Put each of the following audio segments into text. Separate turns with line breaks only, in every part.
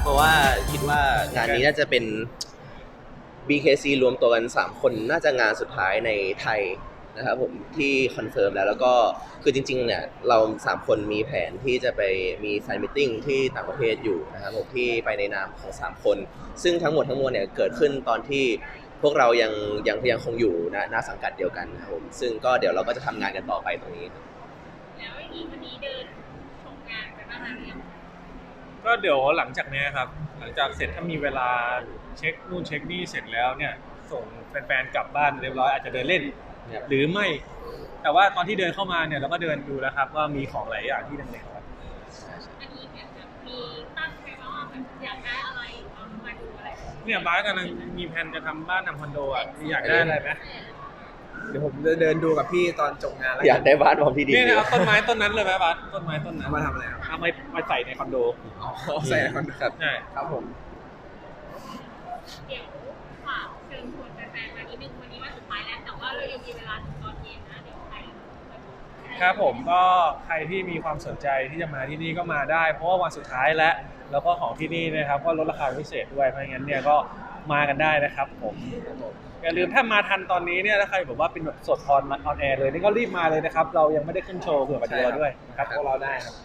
เพราะว่าคิดว่างานนี้น่าจะเป็น BKC รวมตัวกัน3คนน่าจะงานสุดท้ายในไทยนะครับผมที่คอนเฟิร์มแล้วก็คือจริงๆเนี่ยเรา3คนมีแผนที่จะไปมีแฟนมิทติ้งที่ต่างประเทศอยู่นะครับผมที่ไปในนามของ3คนซึ่งทั้งหมดทั้งมวลเนี่ยเกิดขึ้นตอนที่พวกเรายังคงอยู่ณสังกัดเดียวกันนะครับผมซึ่งก็เดี๋ยวเราก็จะทำงานกันต่อไปตรงนี้
แล้วอีกวันนี้เดินชมงานไปบ้างหรือยัง
ก็เดี๋ยวหลังจากนี้ครับหลังจากเสร็จถ้ามีเวลาเช็คนู่นเช็คนี่เสร็จแล้วเนี่ยส่งแฟนๆกลับบ้านเรียบร้อยอาจจะเดินเล่นหรือไม่แต่ว่าตอนที่เดินเข้ามาเนี่ยเราก็เดินดูแล้วครับว่ามีของหลายอย่างที่เด่นๆครับ
อันนี้เนี่ยมีตั้งใจว่าแบบอยากได้อะไรเอามาดูอะไร
เนี่ยบ้านกำลังมีแผนจะทำบ้านทำคอนโดอ่ะอยากได้อะไรไหม
เดี๋ยวผมจะเดินดูกับพี่ตอนจบงานแล้ว
อยากได้บ้านพร้อมที่ดิน
เนี่ยเอาต้นไม้ต้นนั้นเลยไหมบ้านต้นไม้ต้นนั้น
มาทำอะไรครับ
เอาไปใส่ในคอนโด
ใส่คอนโดครับ
ใช่
ครับผม
เดี๋ยวฝากเชิญชวนแฟนๆมานิดนึงวันนี้วันสุดท้ายแล้วแต่ว่าเรายังมีเวลาถึงตอนเย็นนะเดี๋ยวใคร
ครับผมก็ใครที่มีความสนใจที่จะมาที่นี่ก็มาได้เพราะว่าวันสุดท้ายแล้วก็ของที่นี่นะครับก็ลดราคาพิเศษด้วยเพราะงั้นเนี่ยก็มากันได้นะครับผมอย่าลืมถ้ามาทันตอนนี้เนี่ยถ้าใครบอกว่าเป็นแบบสดออนแอร์เลยนี่ก็รีบมาเลยนะครับเรายังไม่ได้ขึ้นโชว์เผื่อมาดูด้วยนะครับพวกเราได้ครับ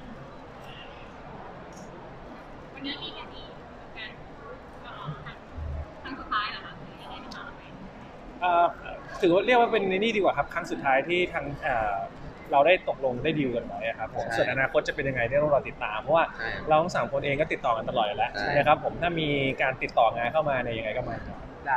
วันนี้มีกันอีกกันครั้งสุดท้ายเหรอคะยังไงมาไหม
ถือว่าเรียกว่าเป็นนี่ดีกว่าครับครั้งสุดท้ายที่ทางเราได้ตกลงได้ดีลกันไว้ครับผมส่วนอนาคตจะเป็นยังไงเนี่ยต้องรอติดตามเพราะว่าเราทั้ง3คนเองก็ติดต่อกันตลอดอยู่แล้วนะครับผมถ้ามีการติดต่องานเข้ามาในยังไงก็มา
ได้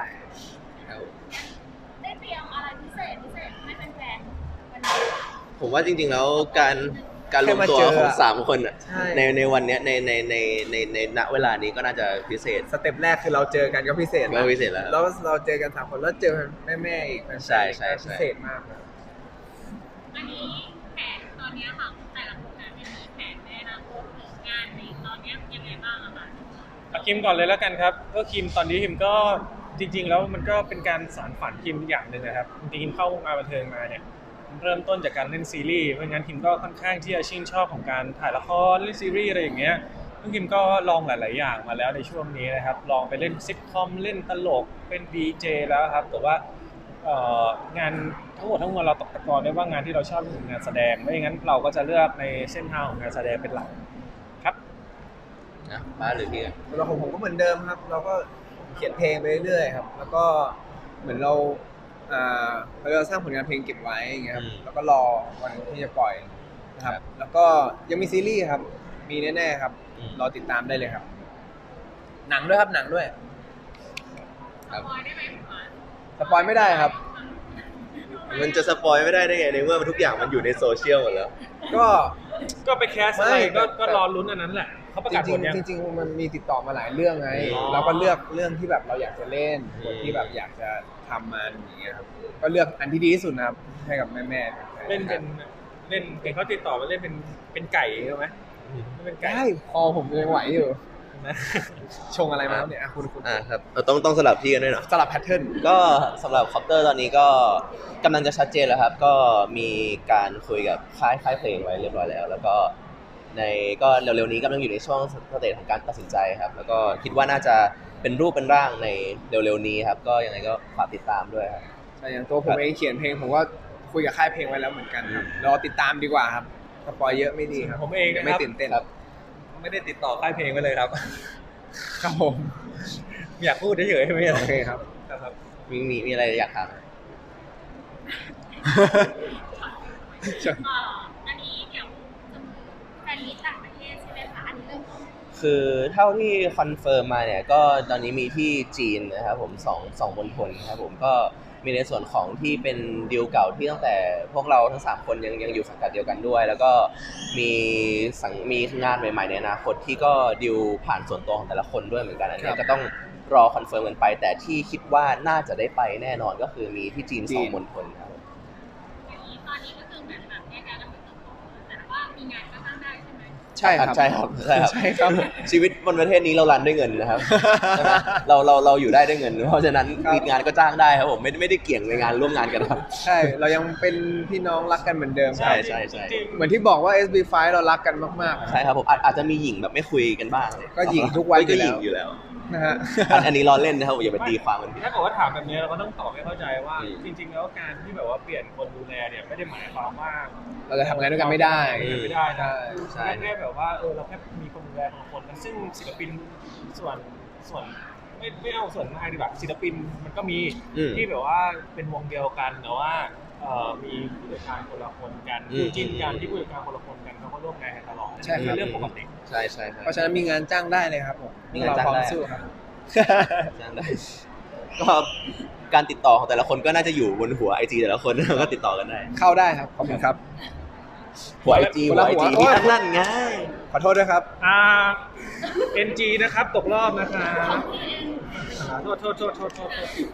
ได้เตรียมอะไรพิเศษให้แฟนๆวันนี้
ผมว่าจริงๆแล้วการรวมตัวของ3คนในวันนี้ในณเวลานี้ก็น่าจะพิเศษ
สเต็ปแรกคือเราเจอกันก็พิเศษ
แล้วพิเศษแล้ว
เราเจอกัน3คนแล้วเจอแม่อีก
ใช่
พิเศษมากนะ
อันนี้แผนตอนนี้ค่ะแต่ละคนมีแผนในอนาคตหรืองานในตอนนี้ยังไงบ้างอะคะ
เอาคิมก่อนเลยแล้วกันครับก็คิมตอนนี้คิมก็จริงๆแล้วมันก็เป็นการสานฝันคิมอย่างหนึ่งนะครับจริงๆคิมเข้าวงการบันเทิงมาเนี่ยเริ่มต้นจากการเล่นซีรีส์เพราะงั้นคิมก็ค่อนข้างที่จะชื่นชอบของการถ่ายละครเล่นซีรีส์อะไรอย่างเงี้ยซึ่งคิมก็ลองหลายๆอย่างมาแล้วในช่วงนี้นะครับลองไปเล่นซิทคอมเล่นตลกเป็น DJ แล้วครับแต่ว่างานทั้งหมดทั้งมวลเราตกตะกอนได้ว่างานที่เราชอบคืองานแสดงไม่อย่างนั้นเราก็จะเลือกในเส้นทางของงานแสดงเป็นหลักครับ
นะบ้านหรือพี่
แล้วผมก็เหมือนเดิมครับเราก็เขียนเพลงไปเรื่อยๆครับแล้วก็เหมือนเราสร้างผลงานเพลงเก็บไว้อย่างเงี้ยครับแล้วก็รอวันที่จะปล่อยนะครับแล้วก็ยังมีซีรีส์ครับมีแน่ๆครับรอติดตามได้เลยครับหนังด้วยครับหนังด้วย
สปอยได้ไหม
สปอยไม่ได้ครับ
มันจะสปอยไม่ได้ไงในเมื่อทุกอย่างมันอยู่ในโซเชียลหมดแล้ว
ก็ไปแคสอะไรก็รอลุ้นอันนั้นแหละเขาประกาศผลยัง
จริงๆมันมีติดต่อมาหลายเรื่องไงเราก็เลือกเรื่องที่แบบเราอยากจะเล่นที่แบบอยากจะทำมันอย่างเงี้ยครับก็เลือกอันที่ดีที่สุดนะครับให้กับแม่
เล่นเป็นเขาติดต่อมาเล่นเป็นไก่ใช่ไหม
เป็นไก่พอผมยังไหวอยู่ชงอะไรมาเนี่ยคุณ
ครับเราต้องสลับที่กันด้วยเนาะ
สลับแพทเทิร์น
ก็สำหรับคอปเตอร์ตอนนี้ก็กำลังจะชัดเจนแล้วครับก็มีการคุยกับค่ายเพลงไว้เรียบร้อยแล้วก็ก็เร็วๆนี้กำลังอยู่ในช่วงสเตจของการตัดสินใจครับแล้วก็คิดว่าน่าจะเป็นรูปเป็นร่างในเร็วๆนี้ครับก็ยังไงก็ฝากติดตามด้วยครับ
ใช่อย่างตัวผมเองเขียนเพลงผมก็คุยกับค่ายเพลงไว้แล้วเหมือนกันครับรอติดตามดีกว่าครับสปอยเยอะไม่ดีครับ
ผมเอง
ไม่ตื่นเต้นครับ
ไม่ได้ติดต่อค่ายเพลงไว้เลยครับ
ครับผม
อยากพูดเฉยๆไม่ใช่
โอเคครับ
มีอะไรอยากถาม
อันนี้เดี๋ยวแฟนมิตรต่างประเทศใช่ไหมคะอันนี้เริ่ม
คือเท่าที่คอนเฟิร์มมาเนี่ยก็ตอนนี้มีที่จีนนะครับผมสองมณฑลครับผมก็มีในส่วนของที่เป็นดีลเก่าที่ตั้งแต่พวกเราทั้ง3คนยังอยู่สังกัดเดียวกันด้วยแล้วก็มีงานใหม่ๆในอนาคตที่ก็ดีลผ่านส่วนตัวของแต่ละคนด้วยเหมือนกันอันนี้ก็ต้องรอคอนเฟิร์มกันไปแต่ที่คิดว่าน่าจะได้ไปแน่นอนก็คือมีที่จีน2มณฑลครับ
ตอนนี้ก็คือเหมือนแบบแยกย้ายกันไปเติบโตแต่ว่ามีงานก็สร้างได้ใช่ไหม
ใช่ครับ
ใช่ครับใช่ครับ
ใช่ครับ
ชีวิตบนประเทศนี้เรารันด้วยเงินนะครับใช่ไหมเราอยู่ได้ด้วยเงิน เพราะฉะนั้น
ครับ
มีงานก็จ้างได้ครับผมไม่ได้เกี่ยงในงานร่วมงานกันครับ
ใช่เรายังเป็นพี่น้องรักกันเหมือนเดิม
ใช่ใช่
จริง
เหมือนที่บอกว่า SB5 เรารักกันมากๆอะ
ใช่ครับผมอาจจะมีหญิงแบบไม่คุยกันบ้างเลย
ก็หญิงทุกวัน
ก็ห
อยู่
ญิ
แล้ว
งอยู่แล้ว
นะฮะ
อันนี้ล้อเล่นนะครับอย่าไปตีความมันผิด
ถ้าเกิดว่าถามแบบนี้เราก็ต้องตอบให้เข้าใจว่า
อืม
จริง ๆ แล้วการที่แบบว่าเปลี่ยนคนดูแลเนี่ยไม่ได้หมายความว่า
เราจะทำงานด้วยกันไม่ได้
ไม่ได้นะ
ใช่
แค่แบบว่าเราแค่มีคนดูแลคนละคนนะซึ่งศิลปินส่วนไม่เอาส่วนมากดีกว่าศิลปินมันก็มี
อืม
ที่แบบว่าเป็นวงเดียวกันแต่ว่ามีผู้จัดการคนละคนกัน
อืม
คู่จิ้นกันที่ผู้จัดการคนละคนกันเขาก็ร่วมงานกันตลอด
ใช่ครับ
เป็นเรื่องปกติ
ใช่ใช่ใช่
เพราะฉะนั้นมีงานจ้างได้เลยครับผม
มีงานจ้างได้
เรพร้อมสู้ครับ
จ้างได้ก็การติดต่อของแต่ละคนก็น่าจะอยู่บนหัวไอจีแต่ละคน ก็ติดต่อกันได้
เข้าได้ครับขอบคุณครับ
หัวไอจี
คน
หัว
ละ
ไอ
หัว
จี
โอ๊ย
นั่นไง
ขอโทษด้วยครับ
NG นะครับตกรอบนะครับโทษ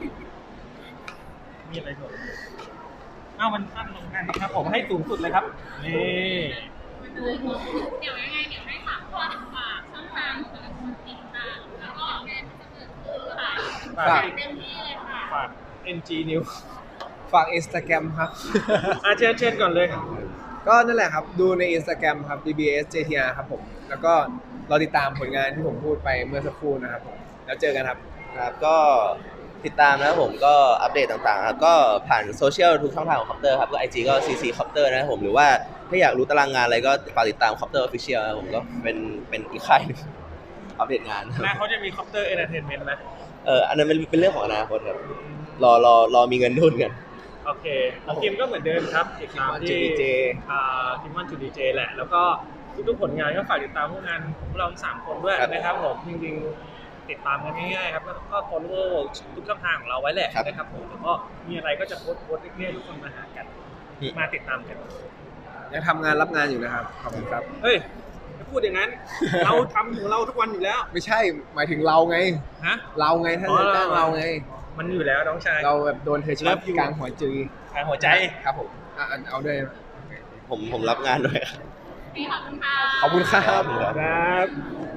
มีอะไรก่อนมันขั้นลงกันครับผมให้สูงสุดเลยครับนี่
เดี๋ยวยังไงเดี๋ยวให้3คนฝากช่องทางแต่ละคนติดตามแล้วก็งานที่จะเกิดขึ้นค่ะ
ฝาก
เต็มที่เลยค่ะ
ฝาก NG News
ฝาก Instagram ครับ
เชิญก่อนเลย
ก็นั่นแหละครับ ดูใน Instagram ครับ DBS JTR ครับผม แล้วก็รอติดตามผลงานที่ผมพูดไปเมื่อสักครู่นะครับผม แล้วเจอกันครับ
ครับก็ติดตามนะครับผมก็อัปเดตต่างๆครับก็ผ่านโซเชียลทุกช่องทางของคอปเตอร์ครับก็ IG ก็ CC Copter นะครับผมหรือว่าถ้าอยากรู้ตารางงานอะไรก็ฝากติดตาม Copter Official นะครับผมก็เป็นอีกค่ายหนึงอัปเดตงานครับ
แม่เขาจะมีคอปเตอร์เอนเตอร์เทนเมนต์ไหม
อันนั้นเป็นเรื่องของอนาคตครับรอมีเงินทุนกัน
โอเคของทีมก็เหมือนเดิมครับติดตามที่
DJ
ทีมวันจูดีเจแหละ แล้วก็ทุกๆผลงานก็ฝากติดตามพวกงานของเราทั้ง3คนด้วย
ครับ
นะครับผมจริงๆติดตามกันง่ายๆครับแล้วก็ follow ทุกช่องทางของเราไว้แหละ
ครับ
นะครับผมแล้วก็มีอะไรก็จะโพสต์เรื่อยๆทุกคนมาหากัน
อืม
มาติดตามกัน
ยังทำงานรับงานอยู่นะครับ ขอบคุณครับ
เฮ้ยจะพูดอย่างนั้น เราทำของเราทุกวันอยู่แล้ว
ไม่ใช่ หมายถึงเราไง
ฮะ
เราไงถ้า
อ๋อ
จะจ้างเราไง
มันอยู่แล้วน้องชาย
เราแบบโดนเธอช็อต
Love you
กลางหัวจือ
ทางหัวใจ
ครับผมเอาด้วย
ผมรับงานด้วยครับ
ขอบคุณค่ะ
ขอบคุณครับ
ครับ